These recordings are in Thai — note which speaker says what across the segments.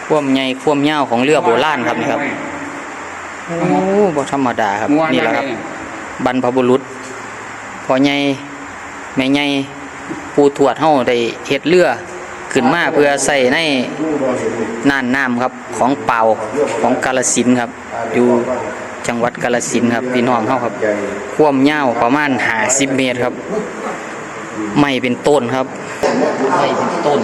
Speaker 1: ความใหญ่ความยาวของเรือโบราณครับนี่ครับโอ้บ่ธรรมดาครับนี่แหละครับบรรพบุรุษพ่อใหญ่แม่ใหญ่ปู่ทวดเฮาได้เฮ็ดเรือขึ้นมาเพื่อใส่ในน่านน้ำครับของเป่าของกาฬสินธุ์ครับอยู่จังหวัดกาฬสินธุ์ครับพี่น้องเฮาครับความยาวประมาณ50 เมตรครับไม้เป็นต้นครับไม้เป็นต้น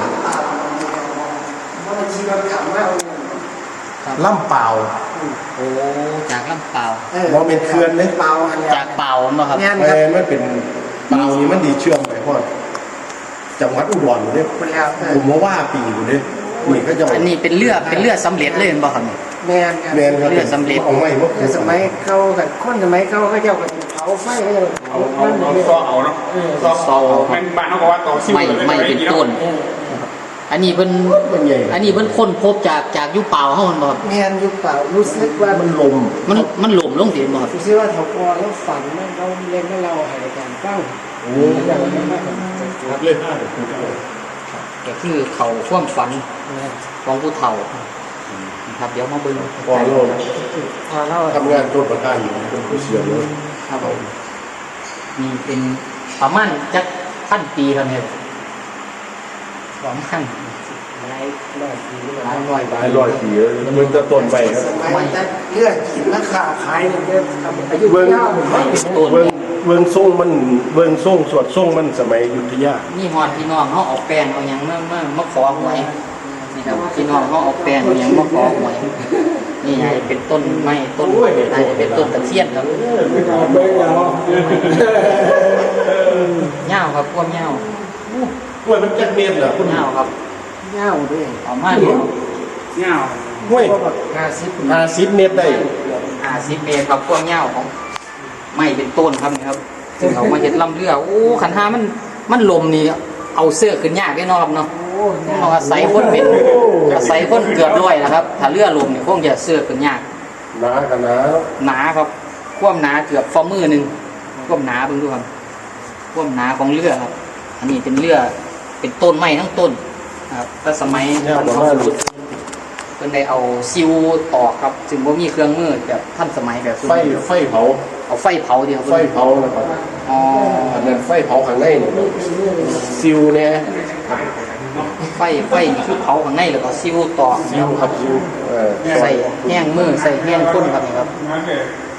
Speaker 2: ล่ำเปล่า
Speaker 1: โอ้จากลำเปล่า
Speaker 2: เราเป็นเขื่อนเลยเปล่า
Speaker 1: จากเปล่าเนาะครับ
Speaker 2: มันเป็นเปล่านี่มันดีเชื่อมไปพอดจังหวัดอุดรอยู่เนี่ยผมว่าปีอยู่เนี่ยนี่ก็จะ
Speaker 1: อันนี้เป็นเรือสำเร็จเลยบ่ครับ
Speaker 3: แมน
Speaker 2: ครับ
Speaker 1: เรือสำเร็จ
Speaker 2: ของใหม่เมื่อ
Speaker 3: สมัยเขากับคนสมัยเขาเจ้ากับเผาไฟเขาจะเอา
Speaker 4: ต่อเอาเนาะต่อมันบ้านเขาบอกว่าต่อซิ่ว
Speaker 1: ไม่เป็นต้นอันนี้เพิ่นค้นพบจากยุคเปล่าเฮามันบ่ครับ
Speaker 3: แมนยุคเปล่ารู้สึกว่า
Speaker 2: มันลม
Speaker 1: ลงสิบ่ครับ
Speaker 3: รู้สึกว่าเขาพอแล้วฝันว่าเขาเล่นให้เราให้การฟัง
Speaker 2: โอ้ครับเล่นได้
Speaker 1: ก็คือเขาความฝันของผู้เฒ่าครับเดี๋ยวมาเบิ่ง
Speaker 2: พอเราทำงานต้นประการอยู่เป็นผู้เชี่ยวเลย
Speaker 1: ครับผมนี่เป็นประมาณจักพันปีครับเนี่ยประมาณ
Speaker 3: หลายร้อยปี
Speaker 2: มันจะต้นไปครับ
Speaker 3: สมัยจะเลือกกินราคาขายเนี่ยอายุยาว
Speaker 2: เวิงส่งสวดส่งมันสมัยอยุธยา
Speaker 1: นี่ฮอดพี่น้องเขาเอาแป้งเอาหยังมาขอหวยนี่ครับพี่น้องเขาเอาแป้งเอาหยังมาขอหวยนี่ไงเป็นต้นไม้ต้นไหนเป็นต้นตะเคียนครับเงาครับพวกเงา
Speaker 2: ห้วยมันจักเมตรเหรอคุณ
Speaker 1: เงาครับ
Speaker 3: เงาด้วย
Speaker 1: ประมาณเงา
Speaker 2: ห้วย50 เมตรได้
Speaker 1: 50 เมตรครับพวกเงาของไม้เป็นต้นครับนี่ครับซึ่งเขามาเห็ดลำเรือโอ้ขันหามันลมนี่เอาเสื้อขึ้นยากแน่นอนเนาะเราอาศัยคนเป็นอาศัยคนเกือบร้อยนะครับถ้าเรือลมเนี่ยคงจะเสื้อขึ้นยาก
Speaker 2: หนากัน
Speaker 1: หนาครับความหนาเกือบฝ่ามือหนึ่งความหนาเบิ่งดูครับความหนาของเรือครับอันนี้เป็นเรือเป็นต้นไม้ทั้งต้นครับแต่สมัยเป็นได้เอาซิวตอกครับจึงว่ามีเครื่องมือแบบท่านสมัยแบบ
Speaker 2: ไฟเผา
Speaker 1: เอาไฟเผาเดียว
Speaker 2: ไฟเผานะครับ
Speaker 1: อ๋อ
Speaker 2: อันนั้นไฟเผาข้างในซิวเนี่ย
Speaker 1: ไฟนี่คือเผาข้างในแล้วก็ซิวตอก
Speaker 2: ซิวครับซิว
Speaker 1: ใส่แห้งมือใส่แห้งก้นครับนี่ครับ